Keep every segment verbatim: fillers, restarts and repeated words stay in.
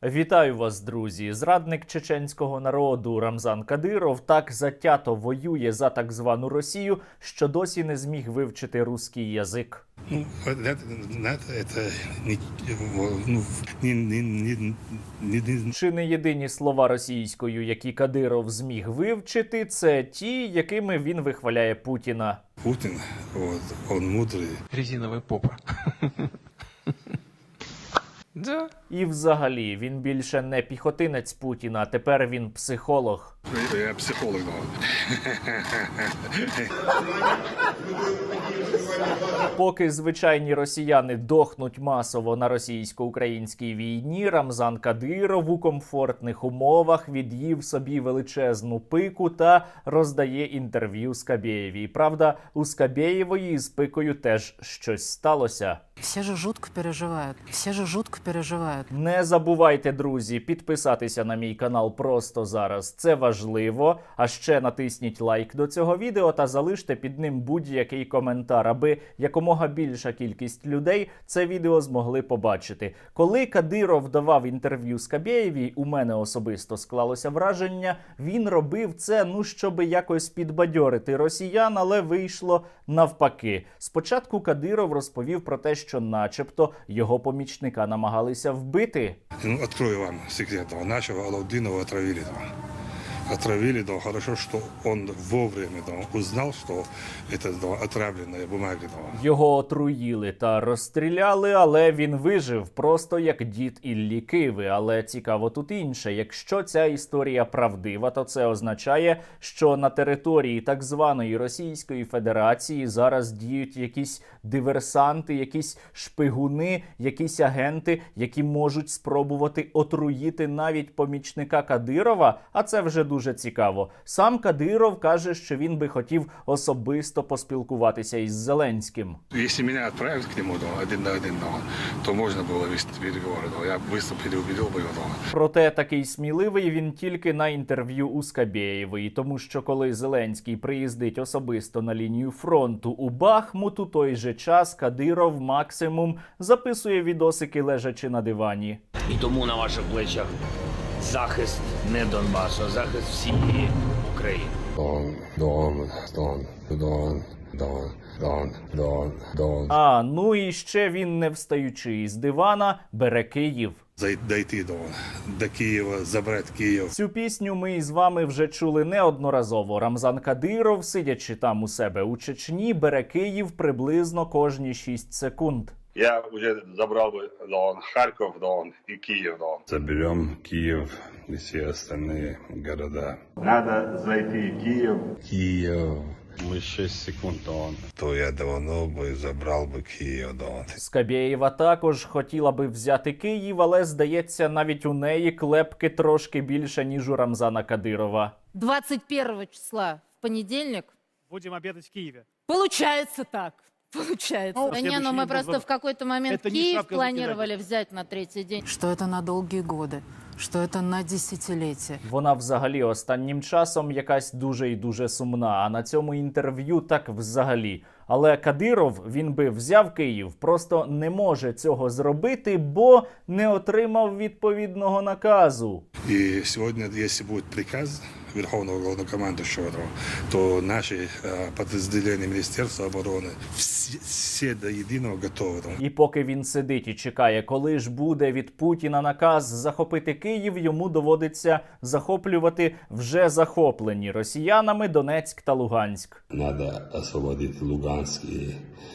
Вітаю вас, друзі! Зрадник чеченського народу Рамзан Кадиров так затято воює за так звану Росію, що досі не зміг вивчити руський язик. Ну, это, это не, ну, не, не, не, не, не... Чи не єдині слова російською, які Кадиров зміг вивчити, це ті, якими він вихваляє Путіна. Путин, вот, он мудрый. Резиновая попа. Да. І взагалі, він більше не піхотинець Путіна, тепер він психолог. Я психолог, да. Поки звичайні росіяни дохнуть масово на російсько-українській війні, Рамзан Кадиров у комфортних умовах від'їв собі величезну пику та роздає інтерв'ю Скабєєвій. Правда, у Скабєєвої з пикою теж щось сталося. Все же жутко переживають. Все же жутко переживають. Не забувайте, друзі, підписатися на мій канал просто зараз. Це важливо. А ще натисніть лайк до цього відео та залиште під ним будь-який коментар, аби якомога більша кількість людей це відео змогли побачити. Коли Кадиров давав інтерв'ю Скабєєвій, у мене особисто склалося враження, він робив це, ну, щоб якось підбадьорити росіян, але вийшло навпаки. Спочатку Кадиров розповів про те, що начебто його помічника намагалися вбити. Ну, открою вам секрет. Нашего Алаудинова отравили. Отравили, да, хорошо, что он вовремя да, узнал, что это да, отравленная бумага. Да. Його отруїли та розстріляли, але він вижив, просто як дід Іллі Киви. Але цікаво тут інше. Якщо ця історія правдива, то це означає, що на території так званої Російської Федерації зараз діють якісь диверсанти, якісь шпигуни, якісь агенти, які можуть спробувати отруїти навіть помічника Кадирова, а це вже дуже Дуже цікаво. Сам Кадиров каже, що він би хотів особисто поспілкуватися із Зеленським. Якщо мене відправили к нему да, один на один, да, то можна було вести переговори. Да, я швидко переубедив би його. Да. Проте такий сміливий він тільки на інтерв'ю у Скабєєвої, тому що коли Зеленський приїздить особисто на лінію фронту у Бахмут, у той же час Кадиров максимум записує відосики лежачи на дивані. І тому на ваших плечах захист не Донбасу, а захист всієї України. Дон, Дон, Дон, Дон, Дон, Дон, Дон, Дон. А, ну і ще він, не встаючи із дивана, бере Київ. Дойти до, до Києва, забрати Київ. Цю пісню ми із вами вже чули неодноразово. Рамзан Кадиров, сидячи там у себе у Чечні, бере Київ приблизно кожні шість секунд. Я вже забрав би Дон, Харків, Дон і Київ, Дон. Заберем Київ і всі остальні города. Надо зайти в Київ. Киев. Ми шість секунд, Дон. То я давно би забрав би Київ, Дон. Скабєєва також хотіла би взяти Київ, але, здається, навіть у неї клепки трошки більше, ніж у Рамзана Кадирова. двадцать первого числа в понедельник. Будем обедать в Киеве. Получается так. Получается. Ну, да не, ну мы просто в какой-то момент Это не Киев шапка планировали взять на третий день. Что это на долгие годы, что это на десятилетия. Вона взагалі останнім часом якась дуже і дуже сумна, а на цьому інтерв'ю так взагалі. Але Кадиров, він би взяв Київ, просто не може цього зробити, бо не отримав відповідного наказу. І сьогодні, якщо буде приказ Верховного Головнокомандуючого, то наші підрозділення Міністерства оборони всі, всі до єдиного готові. І поки він сидить і чекає, коли ж буде від Путіна наказ захопити Київ, йому доводиться захоплювати вже захоплені росіянами Донецьк та Луганськ. Надо освободить Луганск и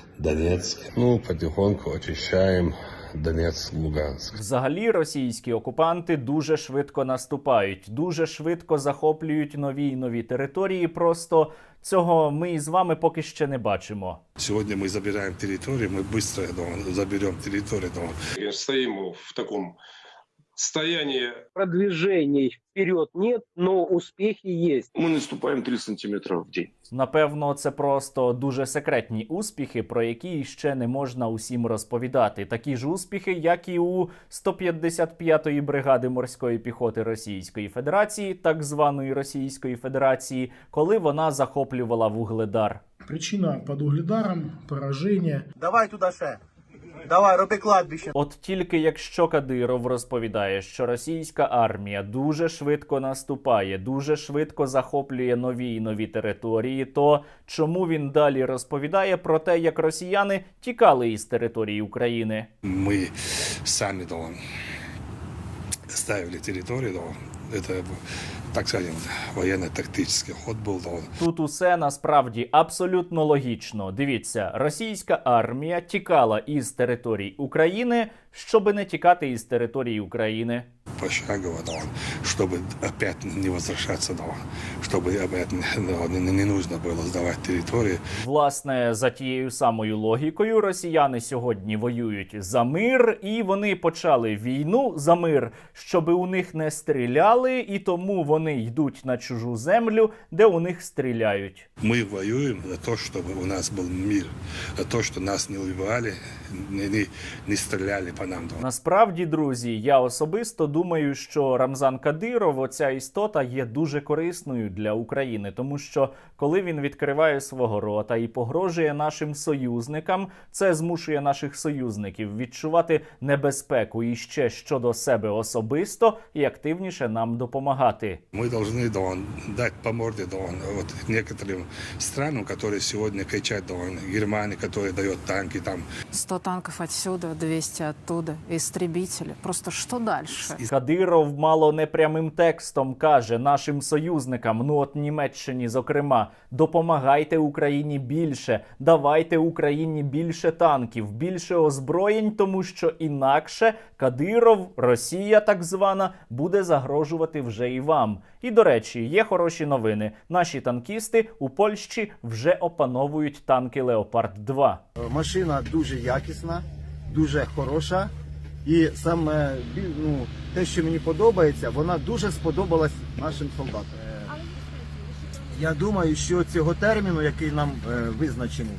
Донецк. Ну, потихоньку очищаем Донецк, Луганск. Взагалі російські окупанти дуже швидко наступають, дуже швидко захоплюють нові і нові території, просто цього ми із вами поки ще не бачимо. Сьогодні ми забираємо територію, ми швидко заберемо територію. Стоим в таком состоянии. Продвижений вперед нет, но успехи есть. Мы наступаем три сантиметра в день. Напевно, це просто дуже секретні успіхи, про які ще не можна усім розповідати. Такі ж успіхи, як і у сто п'ятдесят п'ятої бригади морської піхоти Російської Федерації, так званої Російської Федерації, коли вона захоплювала Вугледар. Причина під Угледаром – пораження. Давай туди ще. Давай, роби кладбище. От тільки якщо Кадиров розповідає, що російська армія дуже швидко наступає, дуже швидко захоплює нові і нові території, то чому він далі розповідає про те, як росіяни тікали із території України? Мы сами да, ставили территорию, да, это, так скажем, военно-тактический ход был. Да. Тут усе насправді абсолютно логічно. Дивіться, російська армія тікала із територій України, щоби не тікати із території України. Пошагово, да, чтобы опять не возвращаться, да, чтобы опять да, не, не нужно было сдавать территории. Власне, за тією самою логікою росіяни сьогодні воюють за мир, і вони почали війну за мир, щоби у них не стріляли, і тому вони йдуть на чужу землю, де у них стріляють. Мы воюем за то, чтобы у нас был мир, за то, что нас не убивали, не, не, не стреляли по нам. Да. Насправді, друзі, я особисто думаю, що Рамзан Кадиров, оця істота, є дуже корисною для України, тому що коли він відкриває свого рота і погрожує нашим союзникам, це змушує наших союзників відчувати небезпеку і ще щодо себе особисто і активніше нам допомагати. Мы должны да, дать по морде да, вот, некоторым странам, которые сегодня кричат, да, Германии, которая дает танки там. сто танков отсюда, двести оттуда, истребители. Просто что дальше? Кадиров мало не прямим текстом каже нашим союзникам, ну от Німеччині, зокрема, допомагайте Україні більше, давайте Україні більше танків, більше озброєнь, тому що інакше Кадиров, Росія так звана, буде загрожувати вже і вам. І, до речі, є хороші новини. Наші танкісти у Польщі вже опановують танки Леопард два. Машина дуже якісна, дуже хороша. І саме ну, те, що мені подобається, вона дуже сподобалась нашим солдатам. Я думаю, що цього терміну, який нам е, визначений,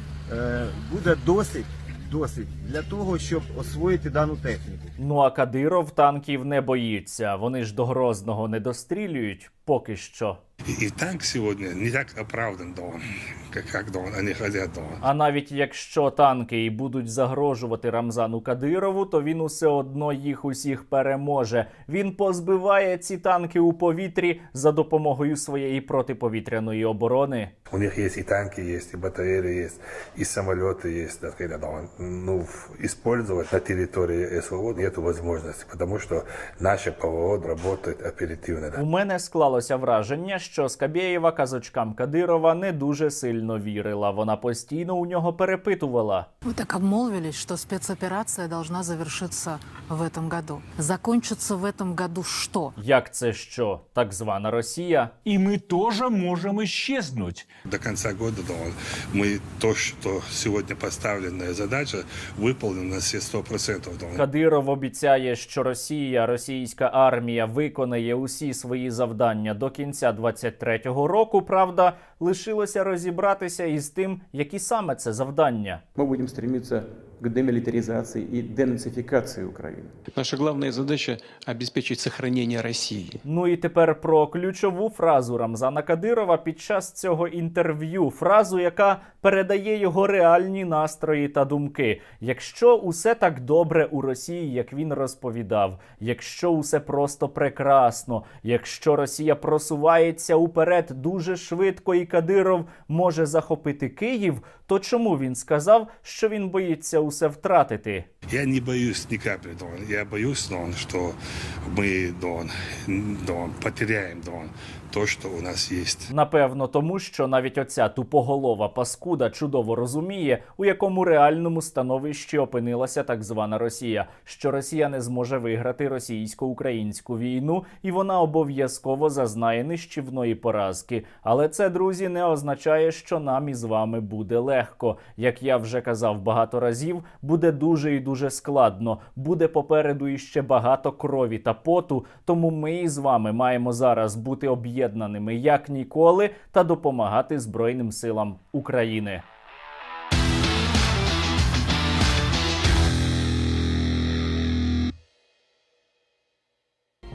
е, буде досить, досить для того, щоб освоїти дану техніку. Ну а Кадиров танків не боїться. Вони ж до Грозного не дострілюють поки що. И, и танк сегодня не так оправдан, да, как, как да, они хотят. Да. А навіть якщо танки і будуть загрожувати Рамзану Кадирову, то він усе одно їх усіх переможе. Він позбиває ці танки у повітрі за допомогою своєї протиповітряної оборони. У них есть и танки, есть и батареи, есть и самолеты, есть, так сказать, да, ну, использовать на территории СВО нет возможности, потому что наши ПВО работают оперативно. Да. У мене склалося враження, що Скабєєва казочкам Кадирова не дуже сильно вірила. Вона постійно у нього перепитувала. Вы так обмолвились, что спецоперация должна завершиться в этом году. Закончится в этом году что? Як це що? Так звана Росія? И мы тоже можем исчезнуть. До конца года да, мы то, что сегодня поставленная задача, выполним на все сто процентов. Да. Кадиров обіцяє, що Росія, російська армія виконає усі свої завдання до кінця двадцять третього року. Правда, лишилося розібратися із тим, які саме це завдання. Мы будем стремиться к демилитаризации и денацификации Украины. Наша главная задача – обеспечить сохранение России. Ну і тепер про ключову фразу Рамзана Кадирова під час цього інтерв'ю. Фразу, яка передає його реальні настрої та думки. Якщо усе так добре у Росії, як він розповідав, якщо усе просто прекрасно, якщо Росія просувається уперед дуже швидко і Кадиров може захопити Київ, то чому він сказав, що він боїться усе втратити? Я не боюсь ни капли, Дон. Я боюсь, Дон, что мы, Дон, Дон, потеряем, Дон, то, что у нас есть. Напевно, тому що навіть оця тупоголова паскуда чудово розуміє, у якому реальному становищі опинилася так звана Росія, що Росія не зможе виграти російсько-українську війну, і вона обов'язково зазнає нищівної поразки. Але це, друзі, не означає, що нам із вами буде легко. Як я вже казав багато разів, буде дуже і дуже складно. Буде попереду іще багато крові та поту, тому ми із вами маємо зараз бути об'єднаними як ніколи та допомагати Збройним силам України.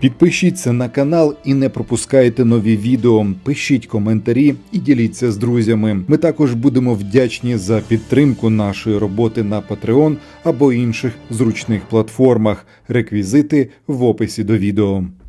Підпишіться на канал і не пропускайте нові відео. Пишіть коментарі і діліться з друзями. Ми також будемо вдячні за підтримку нашої роботи на Patreon або інших зручних платформах. Реквізити в описі до відео.